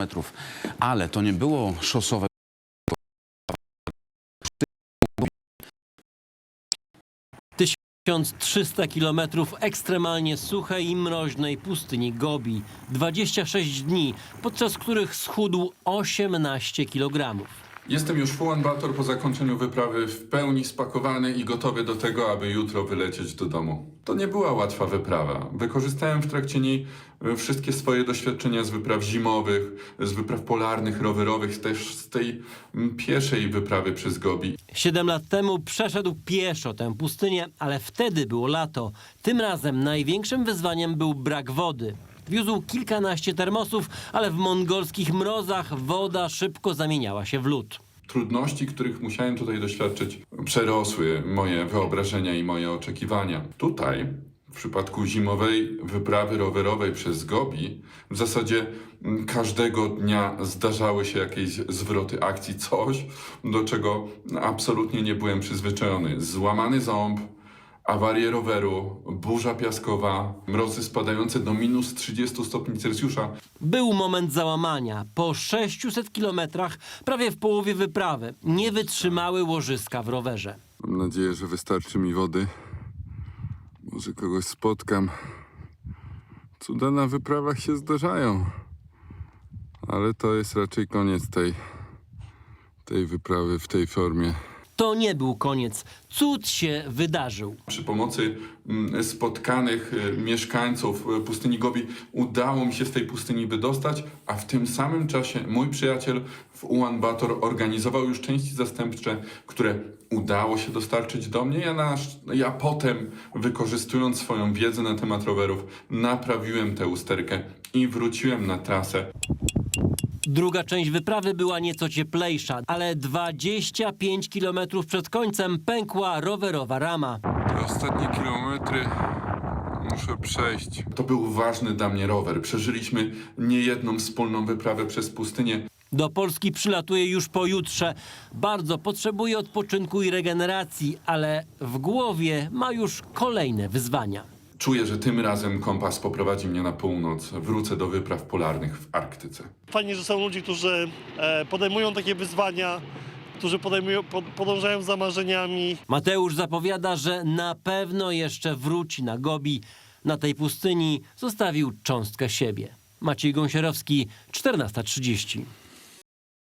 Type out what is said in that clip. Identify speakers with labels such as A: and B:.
A: metrów, ale to nie było szosowe.
B: 1300 kilometrów ekstremalnie suchej i mroźnej pustyni Gobi. 26 dni, podczas których schudł 18 kilogramów.
C: Jestem już w Ulan Bator po zakończeniu wyprawy w pełni spakowany i gotowy do tego, aby jutro wylecieć do domu. To nie była łatwa wyprawa. Wykorzystałem w trakcie niej wszystkie swoje doświadczenia z wypraw zimowych, z wypraw polarnych, rowerowych, też z tej pieszej wyprawy przez Gobi.
B: 7 lat temu przeszedł pieszo tę pustynię, ale wtedy było lato. Tym razem największym wyzwaniem był brak wody. Wiózł kilkanaście termosów, ale w mongolskich mrozach woda szybko zamieniała się w lód.
C: Trudności, których musiałem tutaj doświadczyć, przerosły moje wyobrażenia i moje oczekiwania. Tutaj, w przypadku zimowej wyprawy rowerowej przez Gobi, w zasadzie każdego dnia zdarzały się jakieś zwroty akcji, coś, do czego absolutnie nie byłem przyzwyczajony. Złamany ząb, awarie roweru, burza piaskowa, mrozy spadające do minus 30 stopni Celsjusza.
B: Był moment załamania. Po 600 kilometrach, prawie w połowie wyprawy, nie wytrzymały łożyska w rowerze.
C: Mam nadzieję, że wystarczy mi wody. Może kogoś spotkam. Cuda na wyprawach się zdarzają. Ale to jest raczej koniec tej wyprawy w tej formie.
B: To nie był koniec. Cud się wydarzył.
C: Przy pomocy spotkanych mieszkańców pustyni Gobi udało mi się z tej pustyni wydostać, a w tym samym czasie mój przyjaciel w Ulan Bator organizował już części zastępcze, które udało się dostarczyć do mnie. Ja potem, wykorzystując swoją wiedzę na temat rowerów, naprawiłem tę usterkę i wróciłem na trasę.
B: Druga część wyprawy była nieco cieplejsza, ale 25 kilometrów przed końcem pękła rowerowa rama.
C: Te ostatnie kilometry muszę przejść. To był ważny dla mnie rower. Przeżyliśmy niejedną wspólną wyprawę przez pustynię.
B: Do Polski przylatuje już pojutrze. Bardzo potrzebuje odpoczynku i regeneracji, ale w głowie ma już kolejne wyzwania.
C: Czuję, że tym razem kompas poprowadzi mnie na północ. Wrócę do wypraw polarnych w Arktyce.
D: Fajnie, że są ludzie, którzy podejmują takie wyzwania, którzy podążają za marzeniami.
B: Mateusz zapowiada, że na pewno jeszcze wróci na Gobi. Na tej pustyni zostawił cząstkę siebie. Maciej Gąsierowski, 14:30.